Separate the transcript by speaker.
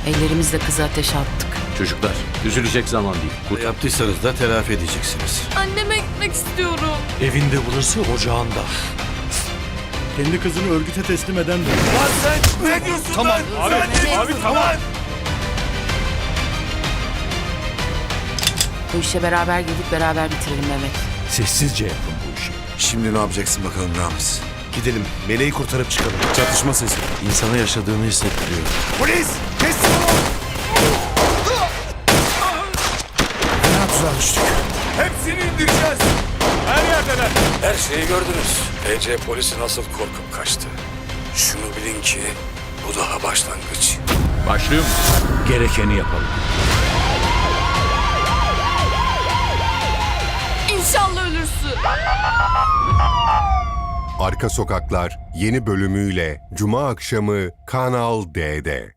Speaker 1: Ellerimizle kızı ateşe attık.
Speaker 2: Çocuklar, üzülecek zaman değil.
Speaker 3: Yaptıysanız da telafi edeceksiniz.
Speaker 4: Anneme gitmek istiyorum.
Speaker 5: Evinde burası, ocağında.
Speaker 6: Kendi kızını örgüte teslim eden de.
Speaker 5: Lan sen ne diyorsun tamam, lan? Abi tamam.
Speaker 1: Bu işe beraber girdik, beraber bitirelim Mehmet.
Speaker 5: Sessizce yapın bu işi.
Speaker 3: Şimdi ne yapacaksın bakalım Ramiz?
Speaker 5: Gidelim, meleği kurtarıp çıkalım.
Speaker 3: Çatışma sesi. İnsana yaşadığını hissettiriyor.
Speaker 5: Polis! Teslim ol! Fena tuzağa düştük. Hepsini indireceğiz. Her yerdeler.
Speaker 7: Her şeyi gördünüz. TC polisi nasıl korkup kaçtı. Şunu bilin ki bu daha başlangıç.
Speaker 2: Başlıyor mu?
Speaker 5: Gerekeni yapalım.
Speaker 4: İnşallah ölürsün.
Speaker 8: Arka Sokaklar yeni bölümüyle Cuma akşamı Kanal D'de.